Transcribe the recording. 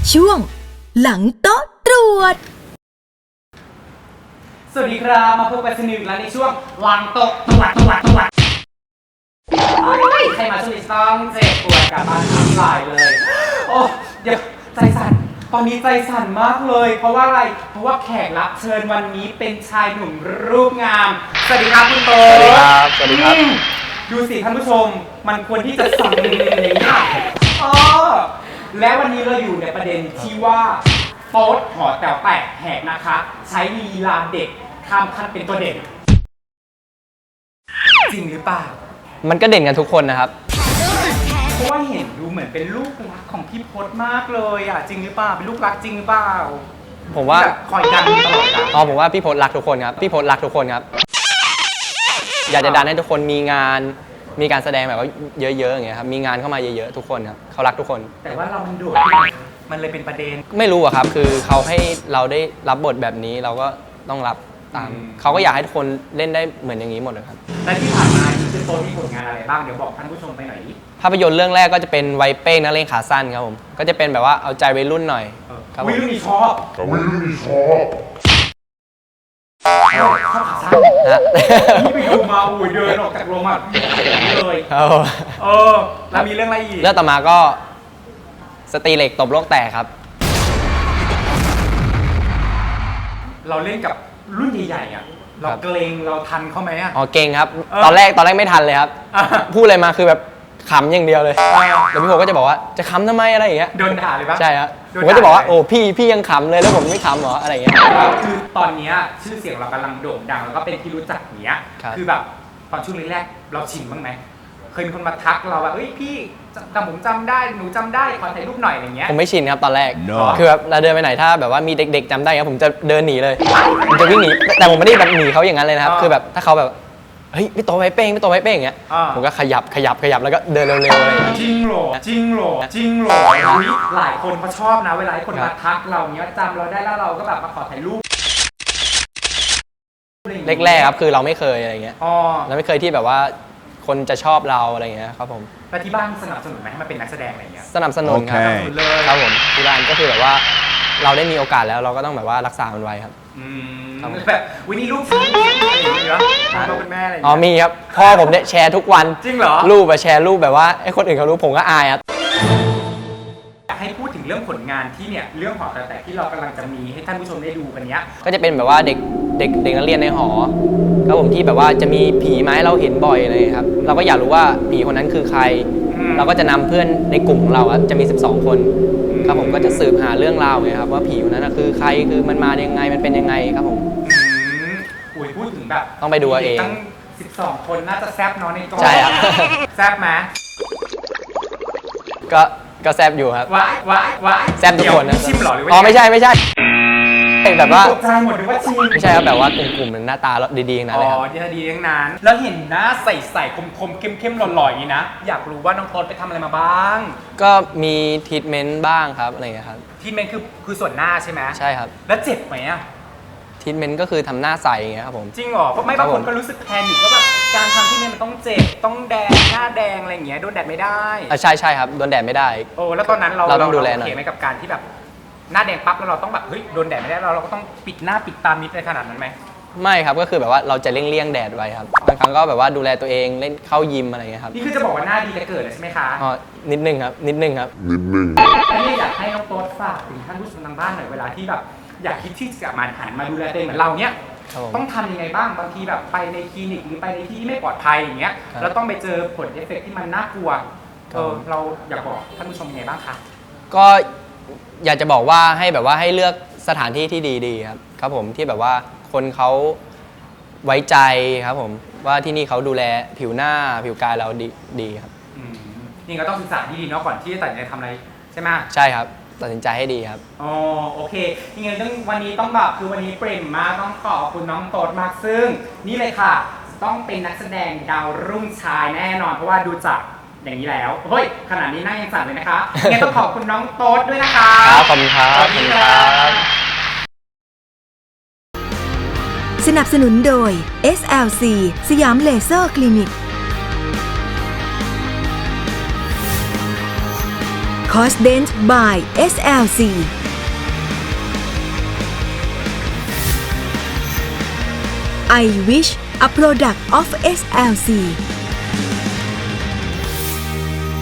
ช่วงหลังโต๊ะตรวจสวัสดีครับมาพบกันสนุกแล้วในช่วงหลังโต๊ะตรวจใครมาช่วงนี้ต้องเจ็บปวดกับบ้านทั้งหลายเลยโอ้เดี๋ยวใจสั่นตอนนี้ใจสั่นมากเลยเพราะว่าอะไรเพราะว่าแขกรับเชิญวันนี้เป็นชายหนุ่มรูปงามสวัสดีครับคุณโตสวัสดีครับสวัสดีครับดูสิท่านผู้ชมมันควรที่จะสั่นอย่างนี้และวันนี้เราอยู่ในประเด็นที่ว่าโต๊ดหอแต๋วแตกแหกนะคะใช้ลีลาเด็กข้ามขั้นเป็นตัวเด่นจริงหรือเปล่ามันก็เด่นกันทุกคนนะครับเพราะว่าเห็นดูเหมือนเป็นลูกรักของพี่พจน์มากเลยอ่ะจริงหรือเปล่าเป็นลูกรักจริงหรือเปล่าผมว่าคอยดันตลอดผมว่าพี่พจน์รักทุกคนครับพี่พจน์รักทุกคนครับอยากจะดันให้ทุกคนมีงานมีการแสดงแบบว่าเยอะๆอย่างเงี้ยครับมีงานเข้ามาเยอะๆทุกคนครับเขารักทุกคนแต่ว่าเรามันโดดมันเลยเป็นประเด็นไม่รู้อะครับคือเขาให้เราได้รับบทแบบนี้เราก็ต้องรับตามเขาก็อยากให้ทุกคนเล่นได้เหมือนอย่างนี้หมดเลยครับและที่ผ่านมาคือโตมีผลงานอะไรบ้างเดี๋ยวบอกท่านผู้ชมไปหน่อยดิภาพยนตร์เรื่องแรกก็จะเป็นวัยเป้งนักเลงขาสั้นครับผมก็จะเป็นแบบว่าเอาใจวัยรุ่นหน่อยครับวัยรุ่นมีชอบขาสั้นนี่ไปดูมาอุ้ยเดินออกจากโรงมาเลยแล้วมีเรื่องอะไรอีกเรื่องต่อมาก็สตรีเหล็กตบโลกแตกครับเราเล่นกับรุ่นใหญ่ๆอ่ะเราเกรงเราทันเขาไหมอ่ะเก่งครับตอนแรกไม่ทันเลยครับพูดอะไรมาคือแบบขำอย่างเดียวเลยแล้วพี่โบก็จะบอกว่าจะขำทำไมอะไรอย่างเงี้ยโดนด่าเลยปะใช่ครับผมก็จะบอกว่าโอ้พี่ยังขำเลยแล้วผมไม่ขำหรออะไรอย่างเงี้ยคือตอนนี้ชื่อเสียงเรากำลังโด่งดังแล้วก็เป็นที่รู้จักเนี้ยคือแบบตอนช่วงแรกเราชินบ้างไหมเคยมีคนมาทักเราว่าเฮ้ยพี่ผมจำได้หนูจำได้ขอถ่ายรูปหน่อยอย่างเงี้ยผมไม่ชินครับตอนแรกคือแบบเราเดินไปไหนถ้าแบบว่ามีเด็กๆจำได้ครับผมจะเดินหนีเลยผมจะวิ่งหนีแต่ผมไม่ได้แบบหนีเขาอย่างนั้นเลยนะครับคือแบบถ้าเขาแบบเฮ้ยพี่โตไว้เป้งอย่างเงี้ยผมก็ขยับแล้วก็เดินเร็วๆอะไรอย่างเงี้ยจริงหรอหลายคนเขาชอบนะเวลาคนมาทักเราเนี้ยจำเราได้แล้วเราก็แบบมาขอถ่ายรูปแรกๆครับคือเราไม่เคยอะไรเงี้ยเราไม่เคยที่แบบว่าคนจะชอบเราอะไรเงี้ยครับผมแล้วที่บ้านสนับสนุนไหมให้มาเป็นนักแสดงอะไรเงี้ยสนับสนุนครับผมที่บ้านก็คือแบบว่าเราได้มีโอกาสแล้วเราก็ต้องแบบว่ารักษามันไว้ครับแบบวันนี้ลูกอะไรอย่างเงี้ยพ่อเป็นแม่อะไรมีครับพ่อผมเนี่ยแชร์ทุกวันจริงเหรอรูปแชร์รูปแบบว่าให้คนอื่นเขารู้ผมก็อายครับอยากให้พูดถึงเรื่องผลงานที่เนี่ยเรื่องหอแตกที่เรากำลังจะมีให้ท่านผู้ชมได้ดูกันเนี้ยก็จะเป็นแบบว่าเด็กนักเรียนในหอครับผมที่แบบว่าจะมีผีมาให้เราเห็นบ่อยเลยครับเราก็อยากรู้ว่าผีคนนั้นคือใครเราก็จะนำเพื่อนในกลุ่มของเราจะมี12คนครับผมก็จะสืบหาเรื่องราวไงครับว่าผีคนนั้นคือใครคือมันมายังไงมันเป็นยังไงครับผมพูดถึงแบบต้องไปดูเองตั้ง12คนน่าจะแซบเนาะในกองใช่ครับแซบไหมก็แซบอยู่ครับว้ายแซบทุกคนนะชิมหรอหรือว่าไม่ใช่แบบว่าตกใจหมดหรือว่าชิมไม่ใช่ครับแบบว่ากลุ่มหน้าตาดีๆนะเลยครับดีทั้งนั้นแล้วเห็นหน้าใสคมเข้มหล่อๆอย่างนี้นะอยากรู้ว่าน้องโต๊ดไปทำอะไรมาบ้างก็มีทรีทเมนต์บ้างครับอะไรอย่างเงี้ยครับทรีทเมนต์คือส่วนหน้าใช่ไหมใช่ครับแล้วเจ็บไหมอะทรีทเมนต์ก็คือทำหน้าใสอย่างเงี้ยครับผมจริงเหรอเพราะไม่บางคนก็รู้สึกแพนิคว่าแบบการทำทรีทเมนต์มันต้องเจ็บต้องแดงหน้าแดงอะไรอย่างเงี้ยโดนแดดไม่ได้ใช่ครับโดนแดดไม่ได้แล้วตอนนั้นเราต้องดูแลหน่อยโอเคไหมกับการที่แบบหน้าแดงปั๊บแล้วเราต้องแบบเฮ้ยโดนแดดไม่ได้เราก็ต้องปิดหน้าปิดตามิดในขนาดนั้นไหมไม่ครับก็คือแบบว่าเราจะเลี่ยงแดดไว้ครับบางครั้งก็แบบว่าดูแลตัวเองเล่นเข้ายิมอะไรเงี้ยครับนี่คือจะบอกว่าหน้าดีจะเกิดเลยใช่ไหมคะนิดนึงครับแล้วนี่อยากให้น้องโต๊ดฝากถึงท่านผู้ชมทางบ้านหน่อยเวลาที่แบบอยากคิดที่จะมาหันมาดูแลตัวเองเหมือนเราเนี้ยต้องทำยังไงบ้างบางทีแบบไปในคลินิกหรือไปในที่ที่ไม่ปลอดภัยอย่างเงี้ยแล้วต้องไปเจอผลเอฟเฟกต์ที่มันน่ากลัวเราอยากบอกท่านผู้ชมยังไงบ้างคะก็อยากจะบอกว่าให้แบบว่าให้เลือกสถานที่ที่ดีครับผมที่แบบว่าคนเขาไว้ใจครับผมว่าที่นี่เขาดูแลผิวหน้าผิวกายเราดีครับนี่ก็ต้องศึกษาที่ดีเนาะก่อนที่จะตัดสินใจทำอะไรใช่ไหมใช่ครับตัดสินใจให้ดีครับโอเคยังไงวันนี้ต้องแบบคือวันนี้เปรมมากต้องขอบคุณน้องโต๊ดมากซึ่งนี่เลยค่ะต้องเป็นนักแสดงดาวรุ่งชายแน่นอนเพราะว่าดูจากอย่างนี้แล้วเฮ้ยขนาดนี้นั่งยังสั่นเลยนะคะงั้นต้องขอบคุณน้องโต๊ดด้วยนะคะขอบคุณครับสนับสนุนโดย SLC สยามเลเซอร์คลินิกข Cosdent by SLC I Wish a product of SLC